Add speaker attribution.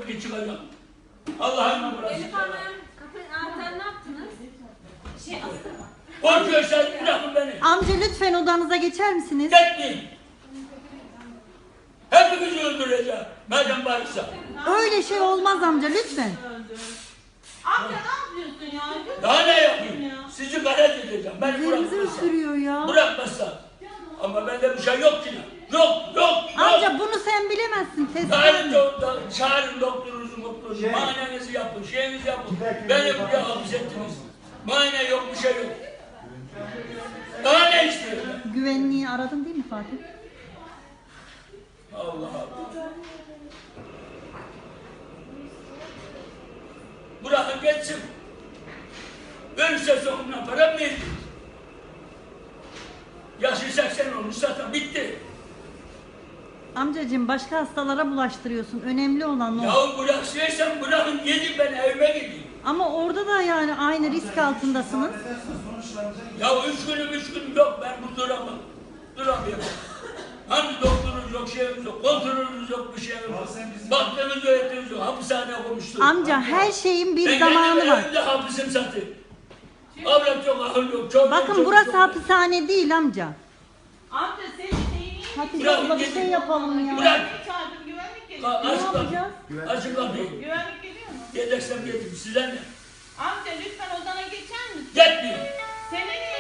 Speaker 1: gibi çıkacağım. Allah'ın burası.
Speaker 2: Elif Hanım, kapı anahtarı ne yaptınız? Astım.
Speaker 1: Korkuyorsan bırakın beni.
Speaker 3: Amca lütfen odanıza geçer misiniz?
Speaker 1: Gitmeyin. Hepimizi öldüreceğim. Madem varsa.
Speaker 3: Öyle şey olmaz amca lütfen.
Speaker 4: Amca ne yapıyorsun ya?
Speaker 1: Daha ne yapayım? Sizi galet edeceğim. Beni
Speaker 3: Üzerimizi
Speaker 1: bırakmazsa.
Speaker 3: ısırıyor ya.
Speaker 1: Bırakmazsa. Ama bende bir şey yok ki. Yok.
Speaker 3: Amca bunu sen bilemezsin.
Speaker 1: Çağırın çağırın doktorunuzu. Muayenenizi yapın, şeyinizi yapın. Beni buraya hapis ettiniz. Muayene yok, bir şey yok. Daha ne istiyorsun?
Speaker 3: Güvenliği aradın değil mi Fatih?
Speaker 1: Allah Allah. Bırakın geçsin. Ölürse sonuna para mı yediniz? Yaşı 80 olmuş zaten bitti.
Speaker 3: Amcacığım başka hastalara bulaştırıyorsun. Önemli olan o.
Speaker 1: Yahu bıraksaysan bırakın gidin ben evime gideyim.
Speaker 3: Ama orada da yani aynı risk altındasınız.
Speaker 1: Ya 3 günüm yok ben bu duramam. Duramıyorum. Hani doktorunuz yok, şeyimiz yok, kontrolünüz yok, bir şeyimiz yok. Baktığınız öğretiniz yok, hapishaneye koymuşsunuz.
Speaker 3: Amca her şeyin bir
Speaker 1: Ben
Speaker 3: zamanı
Speaker 1: kendim
Speaker 3: var.
Speaker 1: evimde hapisim zaten. Avrat yok, ahıl yok, çok
Speaker 3: Bakın
Speaker 1: çok,
Speaker 3: burası
Speaker 1: çok,
Speaker 3: hapishane değil amca.
Speaker 4: Amca senin şeyini
Speaker 3: Hatice
Speaker 1: Bırak,
Speaker 3: abla bir
Speaker 1: gidin.
Speaker 3: şey yapalım ya.
Speaker 1: Bırak.
Speaker 4: çağırdım güvenlik
Speaker 1: Ne
Speaker 4: geliyor.
Speaker 3: yapacağız?
Speaker 1: Açın kapıyı.
Speaker 4: Güvenlik geliyor mu?
Speaker 1: Gelirsem gelin, size ne?
Speaker 4: Amca lütfen odana geçer misin?
Speaker 1: Gitmeyin.
Speaker 4: Seni niye